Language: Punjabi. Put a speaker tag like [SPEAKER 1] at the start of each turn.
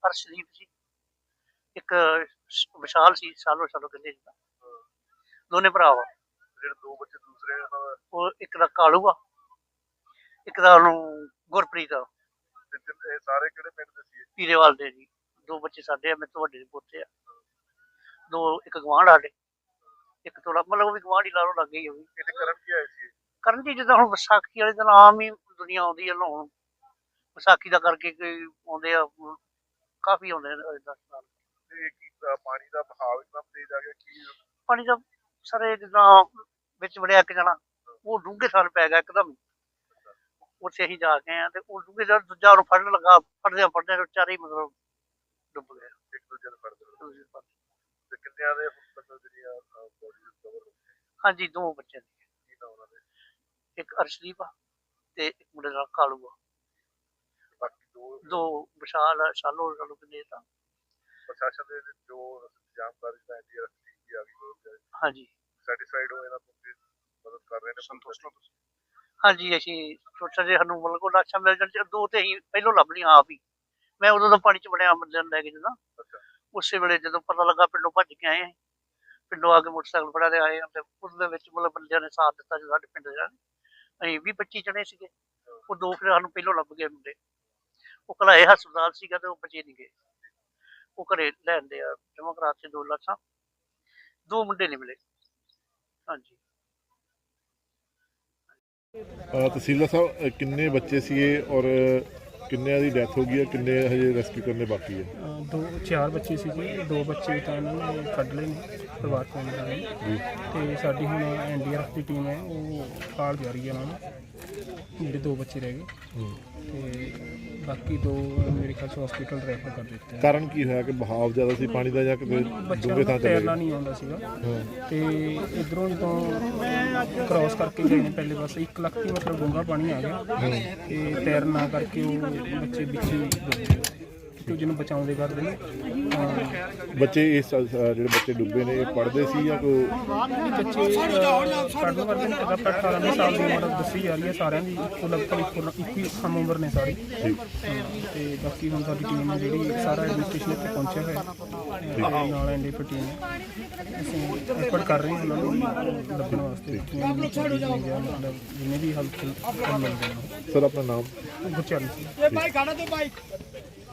[SPEAKER 1] ਅਰਸ਼ਦੀਪ ਸੀ, ਇੱਕ ਵਿਸ਼ਾਲ ਸੀ, ਸਾਲੋ ਸਾਲੋ ਕਹਿੰਦੇ ਜਿੱਦਾਂ, ਦੋਨੇ ਭਰਾ ਵਾ।
[SPEAKER 2] ਜਿਹੜੇ ਦੋ ਬੱਚੇ ਦੂਸਰੇ ਉਹਨਾਂ ਦਾ
[SPEAKER 1] ਉਹ ਇੱਕ ਦਾ ਕਾਲੂ ਆ, ਇੱਕ ਦਾ ਉਹਨੂੰ ਗੁਰਪ੍ਰੀਤ ਆ।
[SPEAKER 2] ਇਹ ਸਾਰੇ ਕਿਹੜੇ ਪਿੰਡ ਦੇ ਸੀ?
[SPEAKER 1] ਪੀਰੇਵਾਲ ਦੇ ਜੀ। ਦੋ ਬੱਚੇ ਸਾਡੇ ਆ, ਮੇਰੇ ਤੋਂ ਵੱਡੇ ਦੇ ਪੋਤੇ ਆ। ਦੋ ਇੱਕ ਗਵਾਂਢ ਸਾਡੇ, ਇੱਕ ਥੋੜਾ ਮਤਲਬ ਉਹ ਵੀ ਗਵਾਂਢ ਹੀ ਲਾ ਲਓ, ਲੱਗ ਗਈ ਉਹ ਵੀ।
[SPEAKER 2] ਇਹਦੇ ਕਰਨ ਕੀ ਆਏ ਸੀ?
[SPEAKER 1] ਕਰਨ ਜੀ ਜਿੱਦਾਂ ਹੁਣ ਵਿਸਾਖੀ ਵਾਲੇ ਦਿਨ ਆਮ ਹੀ ਦੁਨੀਆ ਆਉਂਦੀ ਹੈ ਨਹਾਉਣ, ਵਿਸਾਖੀ ਦਾ ਕਰਕੇ ਕੋਈ ਆਉਂਦੇ ਆ, ਕਾਫੀ ਆਉਂਦੇ ਆ।
[SPEAKER 2] ਤੇ ਕੀ ਪਾਣੀ ਦਾ ਬਹਾਵ ਇਤਨਾ ਤੇਜ਼ ਆ ਗਿਆ ਕੀ?
[SPEAKER 1] ਪਾਣੀ ਦਾ ਸਾਰੇ ਜਿੱਦਾਂ ਵਿੱਚ ਵੜਿਆ ਇੱਕ ਜਣਾ, ਉਹ ਡੂੰਘੇ ਥਾਲ ਪੈ ਗਿਆ ਇੱਕਦਮ। ਉੱਥੇ ਅਸੀਂ ਜਾ ਕੇ ਆ ਤੇ ਉਹ ਡੂੰਘੇ ਥਾਲ ਦੂਜਾ ਉਹਨੂੰ ਫੜਨ ਲੱਗਾ, ਫੜਦਿਆਂ ਚਾਰੇ ਹੀ ਮਤਲਬ ਡੁੱਬ ਗਏ
[SPEAKER 2] ਇੱਕ ਦੂਜੇ ਨੂੰ ਫੜਦੇ
[SPEAKER 1] ਦੂਜੇ ਪਾਸੇ।
[SPEAKER 2] ਤੇ ਕਿੰਨਿਆਂ ਦੇ ਹੁਣ ਤੱਕ ਜਿਹੜੀਆਂ ਬੋਡੀ ਰਿਕਵਰ ਹੋ ਗਈ?
[SPEAKER 1] ਹਾਂਜੀ, ਦੋ ਬੱਚੇ ਨੇ,
[SPEAKER 2] ਕੀ ਨਾ ਉਹਨਾਂ ਦੇ?
[SPEAKER 1] ਇੱਕ ਅਰਸ਼ਦੀਪ ਆ ਤੇ ਇੱਕ ਮੁੰਡੇ ਦਾ ਕਾਲੂ ਆ।
[SPEAKER 2] ਬਾਕੀ
[SPEAKER 1] ਦੋ ਵਿਸ਼ਾਲ ਆ, ਸਾਲੋ ਕਹਿੰਦੇ ਤਾਂ।
[SPEAKER 2] ਪ੍ਰਸ਼ਾਸਨ ਦੇ ਜੋ ਇੰਤਜ਼ਾਮਕਾਰੀ ਦਾ ਐਨਡੀਆਰਐਫ ਟੀਮ ਵੀ ਆ ਗਈ,
[SPEAKER 1] ਹਾਂਜੀ
[SPEAKER 2] ਸੈਟੀਸਫਾਈਡ ਹੋ ਇਹਨਾਂ ਤੋਂ ਮਦਦ ਕਰ ਰਹੇ ਨੇ? ਸੰਤੁਸ਼ਟ ਹੋ ਤੁਸੀਂ?
[SPEAKER 1] ਹਾਂਜੀ, ਅਸੀਂ ਸੋਚਿਆ ਜੇ ਸਾਨੂੰ ਮਤਲਬ ਕੋਈ ਲਾਸ਼ਾਂ ਮਿਲ ਜਾਣ, ਦੋ ਤੇ ਅਸੀਂ ਪਹਿਲੋਂ ਲੱਭ ਲਈਆਂ ਆਪ ਹੀ। ਮੈਂ ਉਦੋਂ ਦਾ ਪਾਣੀ 'ਚ ਵੜਿਆ ਬੰਦਿਆਂ ਨੂੰ ਲੈ ਕੇ ਜਦੋਂ, ਉਸੇ ਵੇਲੇ ਜਦੋਂ ਪਤਾ ਲੱਗਾ ਪਿੰਡੋਂ ਭੱਜ ਕੇ ਆਏ, ਪਿੰਡੋਂ ਆ ਕੇ ਮੋਟਰਸਾਈਕਲ ਫੜਿਆ ਤੇ ਆਏ, ਤੇ ਉਹਦੇ ਵਿੱਚ ਮਤਲਬ ਬੰਦਿਆਂ ਨੇ ਸਾਥ ਦਿੱਤਾ ਜੀ ਸਾਡੇ ਪਿੰਡ ਦੇ। ਅਸੀਂ 20-25 ਜਣੇ ਸੀਗੇ, ਉਹ ਦੋ ਫਿਰ ਸਾਨੂੰ ਪਹਿਲੋਂ ਲੱਭ ਗਏ ਮੁੰਡੇ। ਉਹ ਘਲਾਏ ਹਸਪਤਾਲ ਸੀਗਾ ਤੇ ਉਹ ਬਚੇ ਨਹੀਂ ਗਏ, ਉਹ ਘਰੇ ਲੈਂਦੇ ਆ ਜਮ੍ਹਾਂ ਕਰਾ ਕੇ 2 ਲਾਸ਼ਾਂ, ਦੋ ਮੁੰਡੇ ਨਹੀਂ ਮਿਲੇ। ਹਾਂਜੀ।
[SPEAKER 2] ਤਹਿਸੀਲਦਾਰ ਸਾਹਿਬ, ਕਿੰਨੇ ਬੱਚੇ ਸੀਗੇ ਔਰ ਕਿੰਨਿਆਂ ਦੀ ਡੈਥ ਹੋ ਗਈ ਹੈ, ਕਿੰਨੇ ਹਜੇ ਰੈਸਕਿਊ ਕਰਨੇ ਬਾਕੀ ਹੈ?
[SPEAKER 3] 4 ਬੱਚੇ ਸੀਗੇ, 2 ਬੱਚੇ ਤਾਂ ਇਹਨਾਂ ਨੇ ਕੱਢ ਲਏ ਨੇ ਪਰਿਵਾਰ ਮੈਂਬਰਾਂ ਨੇ, ਤੇ ਸਾਡੀ ਹੁਣ ਐਨਡੀਆਰਐਫ ਦੀ ਟੀਮ ਹੈ ਉਹ ਕਾਲ ਜਾ ਰਹੀ ਹੈ ਉਹਨਾਂ ਨੂੰ, ਜਿਹੜੇ 2 ਬੱਚੇ ਰਹਿ ਗਏ ਤੇ ਬਾਕੀ 2 ਮੇਰੇ ਖਿਆਲ 'ਚ ਹਸਪੀਟਲ ਰੈਫਰ ਕਰ ਦਿੱਤੇ।
[SPEAKER 2] ਕਾਰਨ ਕੀ ਹੋਇਆ ਕਿ ਬਹਾਵ ਜ਼ਿਆਦਾ ਸੀ ਪਾਣੀ ਦਾ ਜਾਂ ਕਿਤੇ
[SPEAKER 3] ਬੱਚਿਆਂ ਨੂੰ ਤੈਰਨਾ ਨਹੀਂ ਆਉਂਦਾ ਸੀਗਾ, ਤੇ ਇੱਧਰੋਂ ਜਦੋਂ ਕ੍ਰਾਸ ਕਰਕੇ ਗਏ ਨੇ ਪਹਿਲੇ ਪਾਸੇ 1 ਲੱਖ ਦੀ ਮਤਲਬ ਡੂੰਘਾ ਪਾਣੀ ਆ ਗਿਆ, ਤੇ ਤੈਰਨਾ ਕਰਕੇ ਉਹ ਬੱਚੇ ਵਿੱਚ ਹੀ ਡੁੱਬ ਗਏ, ਕਿਉਂਕਿ ਜਿਹਨੂੰ ਬਚਾਉਂਦੇ ਕਰਦੇ ਨੇ
[SPEAKER 2] ਬੱਚੇ। ਇਸ ਜਿਹੜੇ ਬੱਚੇ ਡੁੱਬੇ ਨੇ ਇਹ ਪੜ੍ਹਦੇ ਸੀ ਜਾਂ ਕੋਈ
[SPEAKER 3] ਬੱਚੇ ਪੜ੍ਹਨ ਕਰਦੇ ਨੇ? 18 ਸਾਲ ਦੀ ਉਮਰ ਦੱਸੀ ਜਾ ਰਹੀ ਹੈ ਸਾਰਿਆਂ ਦੀ, ਇੱਕੋ ਲਗਭਗ ਇੱਕੋ ਹੀ ਸਮ ਉਮਰ ਨੇ ਸਾਰੀ। ਤੇ ਬਾਕੀ ਹੁਣ ਸਾਡੀ ਟੀਮ ਹੈ ਜਿਹੜੀ ਸਾਰਾ ਐਡਮਿਨਿਸਟ੍ਰੇਸ਼ਨ ਇੱਥੇ ਪਹੁੰਚਿਆ ਹੋਇਆ ਨਾਲ ਐਨਡੀਆਰਐਫ ਟੀਮ, ਅਸੀਂ ਐਫਰਟ ਕਰ ਰਹੇ ਹਾਂ ਉਹਨਾਂ ਨੂੰ ਲੱਭਣ ਵਾਸਤੇ, ਮਤਲਬ ਜਿੰਨੇ ਵੀ ਹੈਲਪ ਮਿਲਦੇ ਨੇ।
[SPEAKER 2] ਸਰ ਆਪਣਾ ਨਾਮ?
[SPEAKER 3] ਗੁਰਚਰਨ ਸਿੰਘ।